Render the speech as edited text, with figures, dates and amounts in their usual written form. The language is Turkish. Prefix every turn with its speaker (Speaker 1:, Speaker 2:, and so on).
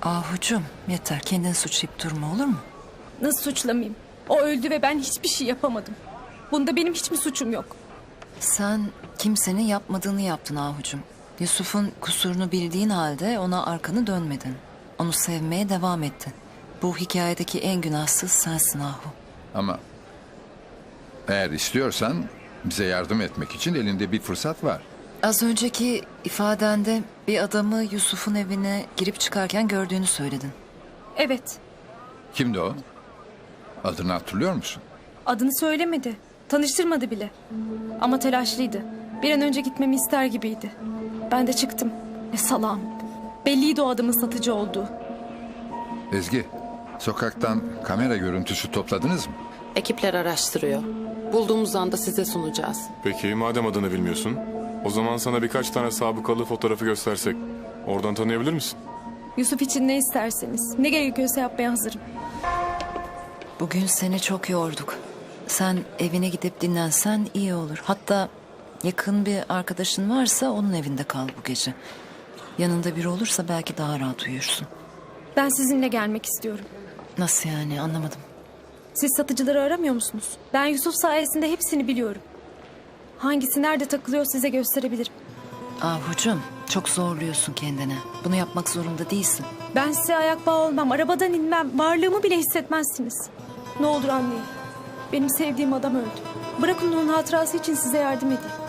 Speaker 1: Ahucum yeter, kendini suçlayıp durma, olur mu?
Speaker 2: Nasıl suçlamayayım? O öldü ve ben hiçbir şey yapamadım. Bunda benim hiç mi suçum yok?
Speaker 1: Sen kimsenin yapmadığını yaptın Ahucum. Yusuf'un kusurunu bildiğin halde ona arkanı dönmedin. Onu sevmeye devam ettin. Bu hikayedeki en günahsız sensin Ahu.
Speaker 3: Ama eğer istiyorsan bize yardım etmek için elinde bir fırsat var.
Speaker 1: Az önceki ifadende bir adamı Yusuf'un evine girip çıkarken gördüğünü söyledin.
Speaker 2: Evet.
Speaker 3: Kimdi o? Adını hatırlıyor musun?
Speaker 2: Adını söylemedi. Tanıştırmadı bile. Ama telaşlıydı. Bir an önce gitmemi ister gibiydi. Ben de çıktım. Ne salağım. Belliydi o adamın satıcı olduğu.
Speaker 3: Ezgi, sokaktan kamera görüntüsü topladınız mı?
Speaker 4: Ekipler araştırıyor. Bulduğumuz anda size sunacağız.
Speaker 5: Peki madem adını bilmiyorsun, o zaman sana birkaç tane sabıkalı fotoğrafı göstersek oradan tanıyabilir misin?
Speaker 2: Yusuf için ne isterseniz, ne gerekiyorsa yapmaya hazırım.
Speaker 1: Bugün seni çok yorduk. Sen evine gidip dinlensen iyi olur. Hatta yakın bir arkadaşın varsa onun evinde kal bu gece. Yanında biri olursa belki daha rahat uyursun.
Speaker 2: Ben sizinle gelmek istiyorum.
Speaker 1: Nasıl yani, anlamadım.
Speaker 2: Siz satıcıları aramıyor musunuz? Ben Yusuf sayesinde hepsini biliyorum. Hangisi nerede takılıyor size gösterebilirim.
Speaker 1: Ahucum, çok zorluyorsun kendini. Bunu yapmak zorunda değilsin.
Speaker 2: Ben size ayak bağı olmam, arabadan inmem, varlığımı bile hissetmezsiniz. Ne olur anlayın. Benim sevdiğim adam öldü. Bırakın onun hatırası için size yardım edeyim.